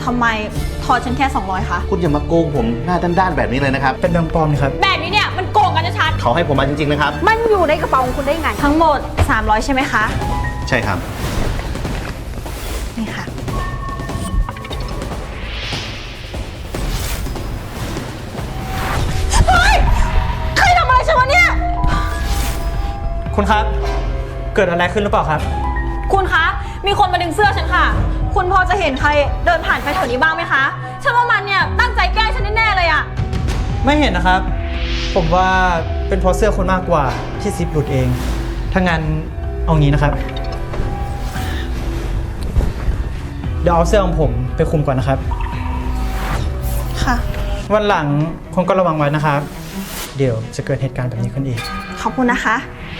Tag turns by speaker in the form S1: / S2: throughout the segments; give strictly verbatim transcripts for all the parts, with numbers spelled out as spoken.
S1: ทำไมทอนฉันแค่สองร้อยคะ
S2: คุณอย่ามาโกงผมหน้าด้านๆแบบนี้เลยนะครับ
S3: เป็นแบงค์ปลอมนะครับ
S1: แบบนี้เนี่ยมันโกงกันชัด
S2: เขาให้ผมมาจริงๆนะครับ
S4: มันอยู่ในกระเป๋าของคุณได้ไง
S1: ทั้งหมดสามร้อยใช่ไหมคะ
S2: ใช่ครับ
S1: นี่ค่ะเฮ้ยใครทำอะไรฉันวะเนี่ย
S3: คุณครับเกิดอะไรขึ้นหรือเปล่าครับ
S1: คุณคะมีคนมาดึงเสื้อฉันค่ะคุณพอจะเห็นใครเดินผ่านไปแถวนี้บ้างไหมคะฉันว่ามันเนี่ยตั้งใจแกล้งฉันแน่ๆเลยอะ
S3: ไม่เห็นนะครับ ผมว่าเป็นเพราะเสื้อคนมากกว่าที่ซิปหลุดเองถ้างั้นเอางี้นะครับเดี๋ยวเอาเสื้อของผมไปคุมก่อนนะครับ
S1: ค่ะ
S3: วันหลังคุณก็ระวังไว้นะครับเดี๋ยวจะเกิดเหตุการณ์แบบนี้ขึ้นอีก
S1: ขอบคุณนะคะ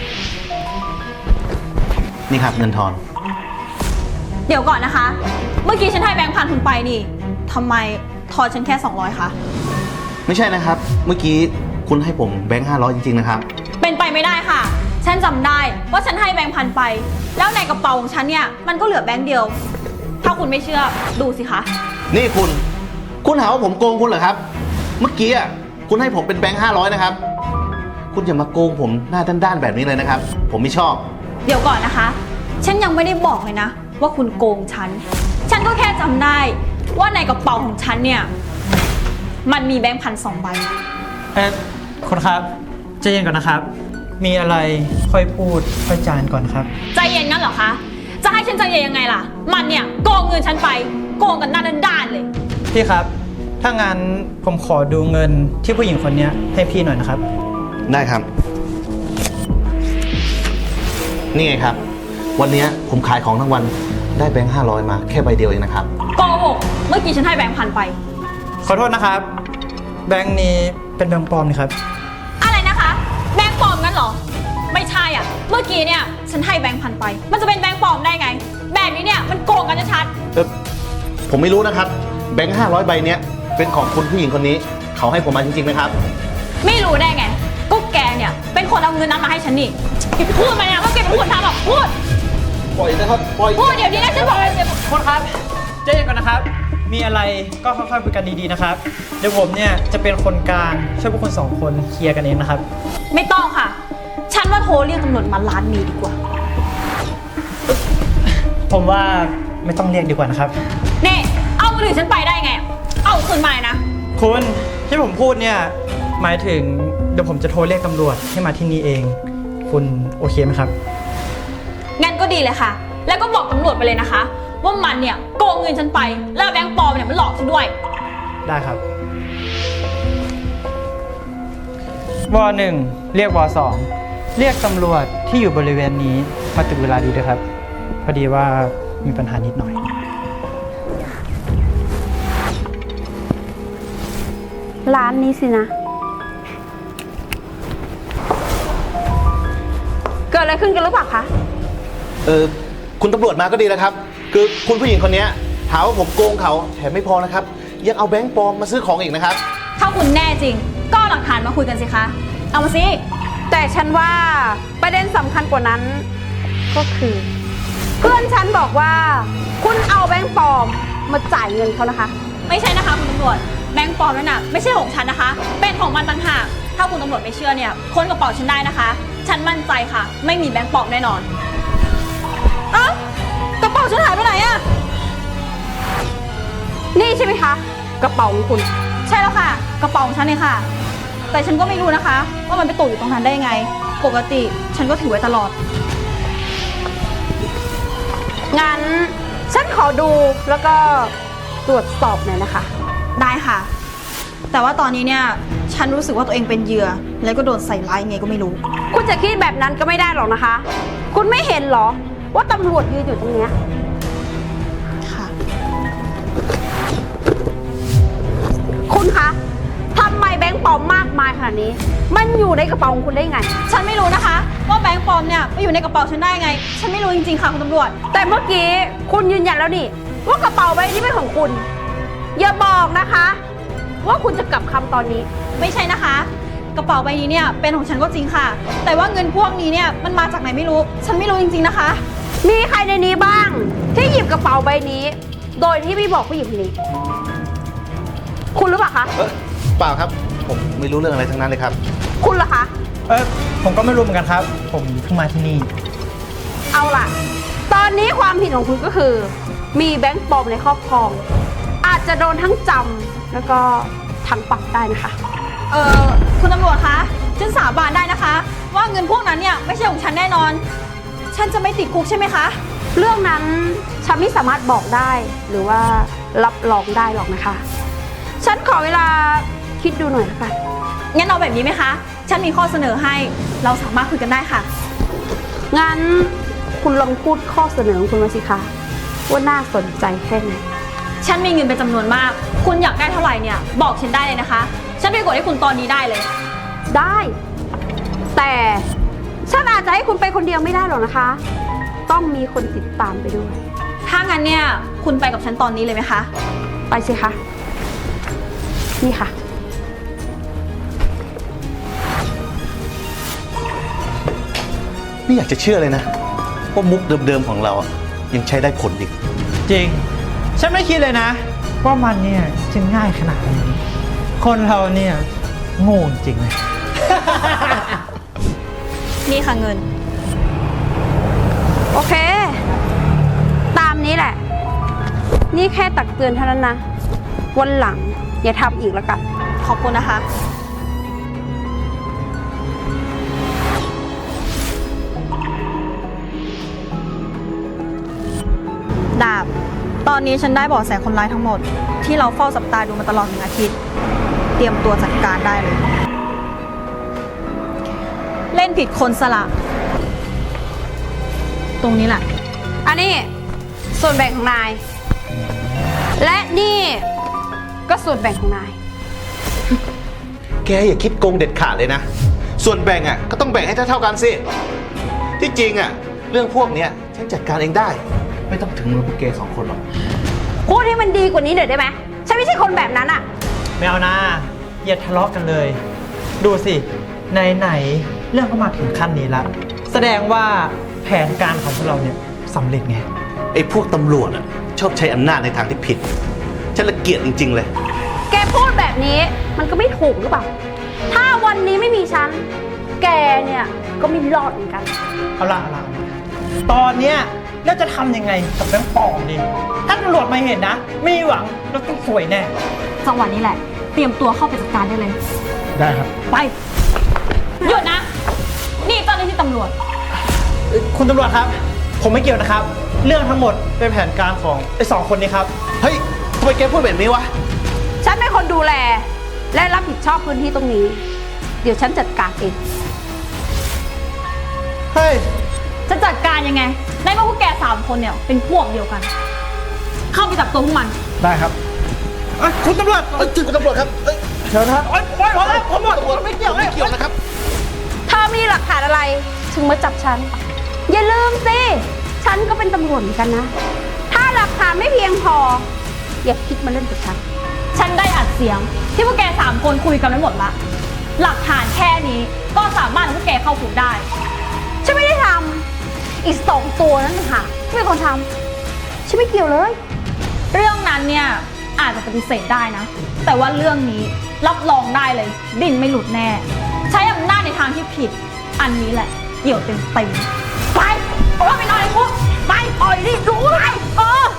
S2: นี่ครับเงินทอน
S1: เดี๋ยวก่อนนะคะเมื่อกี้ฉันให้แบงค์พันคุณไปนี่ทำไมทอนฉันแค่สองร้อยคะ
S2: ไม่ใช่นะครับเมื่อกี้คุณให้ผมแบงค์ห้าร้อยจริงๆนะครับ
S1: เป็นไปไม่ได้ค่ะฉันจำได้ว่าฉันให้แบงค์พันไปแล้วในกระเป๋าของฉันเนี่ยมันก็เหลือแบงค์เดียวถ้าคุณไม่เชื่อดูสิคะ
S2: นี่คุณคุณหาว่าผมโกงคุณเหรอครับเมื่อกี้อ่ะคุณให้ผมเป็นแบงค์ห้าร้อยนะครับคุณอย่ามาโกงผมหน้าด้านๆแบบนี้เลยนะครับผมไม่ชอบ
S1: เดี๋ยวก่อนนะคะฉันยังไม่ได้บอกเลยนะว่าคุณโกงฉันฉันก็แค่จำได้ว่าในกระเป๋าของฉันเนี่ยมันมีแบงค์พันสองใบ
S3: เอ๊ะคุณครับใจเย็นก่อนนะครับมีอะไรค่อยพูดค่อยจานก่อนครับ
S1: ใจเย็นงั้นเหรอคะจะให้ฉันใจเย็นยังไงล่ะมันเนี่ยโกงเงินฉันไปโกงกันหน้าด้านๆเลย
S3: พี่ครับถ้างั้นผมขอดูเงินที่ผู้หญิงคนนี้ให้พี่หน่อยนะครับ
S2: ได้ครับนี่ไงครับวันนี้ผมขายของทั้งวันได้แบงค์ห้าร้อยมาแค่ใบเดียวเองนะครับ
S1: โกหกเมื่อกี้ฉันให้แบงค์พันไป
S3: ขอโทษนะครับแบงค์นี้เป็นแบงค์ปลอมนี่ครับ
S1: อะไรนะคะแบงค์ปลอมงั้นเหรอไม่ใช่อ่ะเมื่อกี้เนี่ยฉันให้แบงค์พันไปมันจะเป็นแบงค์ปลอมได้ไงแบบนี้เนี่ยมันโกงกันชัด
S2: เออผมไม่รู้นะครับแบงค์ห้าร้อยใบเนี้ยเป็นของคุณผู้หญิงคนนี้เขาให้ผมมาจริงๆนะครับ
S1: ไม่รู้ได้ไงก็แกเนี่ยเป็นคนเอาเงินนั้นมาให้ฉันนี่พูดมาเนี่ยว่าแกเป็นคนทำหรอกพูด
S2: ปล่อยนะครับปล่อย
S1: พูดเดี๋ยวนี้นะฉันบอกเลย
S3: คุณครับใจเย็นก่อนนะครับมีอะไรก็ค่อยๆคุยกันดีๆนะครับเดี๋ยวผมเนี่ยจะเป็นคนกลางช่วยพวกคุณสองคนเคลียร์กันเองนะครับ
S1: ไม่ต้องค่ะฉันว่าโทรเรียกตำรวจมาล้านมีดีกว่า
S3: ผมว่าไม่ต้องเรียกดีกว่านะครับ
S1: นี่เอามือถือฉันไปได้ไงเอาคืนมาเลยนะ
S3: คุณที่ผมพูดเนี่ยหมายถึงเดี๋ยวผมจะโทรเรียกตำรวจให้มาที่นี่เองคุณโอเคไหมครับ
S1: งั้นก็ดีเลยค่ะแล้วก็บอกตำรวจไปเลยนะคะว่ามันเนี่ยโกงเงินฉันไปแล้วแบงค์ปลอมเนี่ยมันหลอกฉันด้วย
S3: ได้ครับวอหนึ่งเรียกวอสองเรียกตำรวจที่อยู่บริเวณนี้มาตึกเวลาดีด้วยครับพอดีว่ามีปัญหานิดหน่อย
S4: ร้านนี้สินะเกิดอะไรขึ้นกันหรือเปล่าคะ
S2: เออคุณตำรวจมาก็ดีแล้วครับคือคุณผู้หญิงคนนี้หาว่าผมโกงเขาแถมไม่พอนะครับยังเอาแบงค์ปลอมมาซื้อของอีกนะครับ
S1: ถ้าคุณแน่จริงก็หลักฐานมาคุยกันสิคะเอามาสิ
S4: แต่ฉันว่าประเด็นสำคัญกว่านั้นก็คือเพื่อนฉันบอกว่าคุณเอาแบงค์ปลอมมาจ่ายเงินเขานะคะ
S1: ไม่ใช่นะคะคุณตำรวจแบงค์ปลอมนั่นน่ะไม่ใช่ของฉันนะคะเป็นของมันต่างหากถ้าคุณตำรวจไม่เชื่อเนี่ยค้นกระเป๋าฉันได้นะคะฉันมั่นใจค่ะไม่มีแบงค์ปลอมแน่นอนเอ้ากระเป๋าฉันหายไปไหนอะ
S4: นี่ใช่ไหมคะกระเป๋าของคุณ
S1: ใช่แล้วค่ะกระเป๋าของฉันเองค่ะแต่ฉันก็ไม่รู้นะคะว่ามันไปตกอยู่ตรงนั้นได้ยังไงปกติฉันก็ถือไว้ตลอด
S4: งั้นฉันขอดูแล้วก็ตรวจสอบหน่อยนะคะ
S1: ได้ค่ะแต่ว่าตอนนี้เนี่ยฉันรู้สึกว่าตัวเองเป็นเหยื่อแล้วก็โดนใส่ร้ายไงก็ไม่รู้
S4: คุณจะคิดแบบนั้นก็ไม่ได้หรอกนะคะคุณไม่เห็นหรอว่าตำรวจยืนอยู่ตรงเนี้ย
S1: ค่ะ
S4: คุณคะทำไมแบงค์ปลอมมากมายขนาดนี้มันอยู่ในกระเป๋าของคุณได้ไง
S1: ฉันไม่รู้นะคะว่าแบงค์ปลอมเนี่ยไปอยู่ในกระเป๋าฉันได้ไงฉันไม่รู้จริงๆค่ะคุณตำรวจ
S4: แต่เมื่อกี้คุณยืนยันแล้วนี่ว่ากระเป๋าใบนี้เป็นของคุณอย่าบอกนะคะว่าคุณจะกลับคำตอนนี้
S1: ไม่ใช่นะคะกระเป๋าใบนี้เนี่ยเป็นของฉันก็จริงค่ะแต่ว่าเงินพวกนี้เนี่ยมันมาจากไหนไม่รู้ฉันไม่รู้จริงๆนะคะ
S4: มีใครในนี้บ้างที่หยิบกระเป๋าใบนี้โดยที่ไม่บอกผู้หญิงคนนี้ คุณหรือเปล่าคะ
S2: เออเปล่าครับ ผมไม่รู้เรื่องอะไรทั้งนั้นเลยครับ
S4: คุณเหรอคะ
S3: เออผมก็ไม่รู้เหมือนกันครับ ผมเพิ่งมาที่นี่
S4: เอาล่ะ ตอนนี้ความผิดของคุณก็คือ มีแบงค์ปลอมในครอบครอง อาจจะโดนทั้งจำแล้วก็ทั้งปรับได้นะคะ
S1: เออคุณตำรวจคะ ฉันสาบานได้นะคะ ว่าเงินพวกนั้นเนี่ยไม่ใช่ของฉันแน่นอน ฉันจะไม่ติดคุกใช่ไหมคะ
S4: เรื่องนั้นฉันไม่สามารถบอกได้ หรือว่ารับรองได้หรอกนะคะ ฉันขอเวลาคิดดูหน่อยละกัน
S1: งั้นเอาแบบนี้ไหมคะ ฉันมีข้อเสนอให้ เราสามารถคุยกันได้ค่ะ
S4: งั้นคุณลองพูดข้อเสนอของคุณมาสิคะว่าน่าสนใจแค่ไหน
S1: ฉันมีเงินเป็นจำนวนมาก คุณอยากได้เท่าไหร่เนี่ย บอกฉันได้เลยนะคะ ฉันไปกดให้คุณตอนนี้ได้เลย
S4: ได้ แต่ฉันอาจจะให้คุณไปคนเดียวไม่ได้หรอกนะคะ ต้องมีคนติดตามไปด้วย
S1: ถ้างั้นเนี่ยคุณไปกับฉันตอนนี้เลยไหมคะ
S4: ไปสิคะ นี่ค่ะ
S2: ไม่อยากจะเชื่อเลยนะว่ามุกเดิมๆของเราอะยังใช้ได้ผลอีก
S3: จริง ฉันไม่คิดเลยนะ ว่ามันเนี่ยจะง่ายขนาดนี้ คนเราเนี่ยโง่จริงเลย
S1: นี่ค่ะเงิน
S4: โอเค ตามนี้แหละ นี่แค่ตักเตือนเท่านั้นนะ วันหลังอย่าทำอีกแล้วกัน
S1: ขอบคุณนะคะ ดาบ ตอนนี้ฉันได้เบาะแสคนร้ายทั้งหมด ที่เราเฝ้าจับตาดูมาตลอดหนึ่งอาทิตย์ เตรียมตัวจัดการได้เลย เล่นผิดคนสละ ตรงนี้แหละ
S4: อันนี้ส่วนแบ่งของนาย และนี่ก็ส่วนแบ่งของนาย
S2: แกอย่าคิดโกงเด็ดขาดเลยนะ ส่วนแบ่งอ่ะก็ต้องแบ่งให้เท่าๆกันสิ ที่จริงอ่ะเรื่องพวกเนี้ยฉันจัดการเองได้ ไม่ต้องถึงมือพวกแกสองคนหรอก
S4: พูดให้มันดีกว่านี้หน่อยได้ไหมฉันไม่ใช่คนแบบนั้นอะ
S3: ไม่เอานะอย่าทะเลาะกันเลย ดูสิไหนๆเรื่องก็มาถึงขั้นนี้แล้วแสดงว่าแผนการของพวกเราเนี่ยสำเร็จไง
S2: ไอ้พวกตำรวจอ่ะชอบใช้อำนาจในทางที่ผิด ฉันละเกียจจริงๆเลย
S4: แกพูดแบบนี้มันก็ไม่ถูกหรือเปล่า ถ้าวันนี้ไม่มีฉัน แกเนี่ยก็ไม่รอดเหมือนกัน
S3: เอาละเอาละเอาละตอนเนี้ยเราจะทำยังไงกับแบงค์ปลอมดีถ้าตำรวจมาเห็นนะไม่มีหวังเราต้องสวยแน่
S1: จังหวะนี้แหละ เตรียมตัวเข้าไปจัดการได้เลย
S3: ได้ครับ
S1: ไป หยุดนะ นี่เจ้าหน้าที่ตำรวจ
S3: คุณตำรวจครับ ผมไม่เกี่ยวนะครับ เรื่องทั้งหมดเป็นแผนการของไอ้สองคนนี้ครับ
S2: เฮ้ยทำไมแกพูดแบบนี้วะ
S4: ฉันเป็นคนดูแล และรับผิดชอบพื้นที่ตรงนี้ เดี๋ยวฉันจัดการเอง
S3: เฮ้ย
S1: จะจัดการยังไง ในเมื่อพวกแกสามคนเนี่ยเป็นพวกเดียวกัน เข้าไปจับตัวพวกมัน
S3: ได้ครับเอ้ยคุณตำรวจ
S2: เอ้ยคุณตำรวจครับเอ้ย
S3: เชิญครับโอ๊ยโอ๊ยพอแล้วผมหมด
S2: ตำรวจ
S3: ไม่เกี่ยว
S2: ไม่เกี่ยวนะครับ
S4: ถ้ามีหลักฐานอะไรถึงมาจับฉัน อย่าลืมสิ ฉันก็เป็นตำรวจเหมือนกันนะ ถ้าหลักฐานไม่เพียงพอ อย่าคิดมาเล่นกับฉัน
S1: ฉันได้อัดเสียง ที่พวกแกสามคนคุยกันไว้หมดละ หลักฐานแค่นี้ก็สามารถให้พวกแกเข้าคุกได้
S4: ฉันไม่ได้ทำอีกสองตัวนั่นต่างหากที่เป็นคนทำฉันไม่เกี่ยวเลย
S1: เรื่องนั้นเนี่ยอาจจะปฏิเสธได้นะ แต่ว่าเรื่องนี้รับรองได้เลย ดิ้นไม่หลุดแน่ ใช้อำนาจในทางที่ผิด อันนี้แหละเหี่ยวเต็มเต็มๆไปเอาไปนอนในคุกไปปล่อยดิรู้ไหมเออ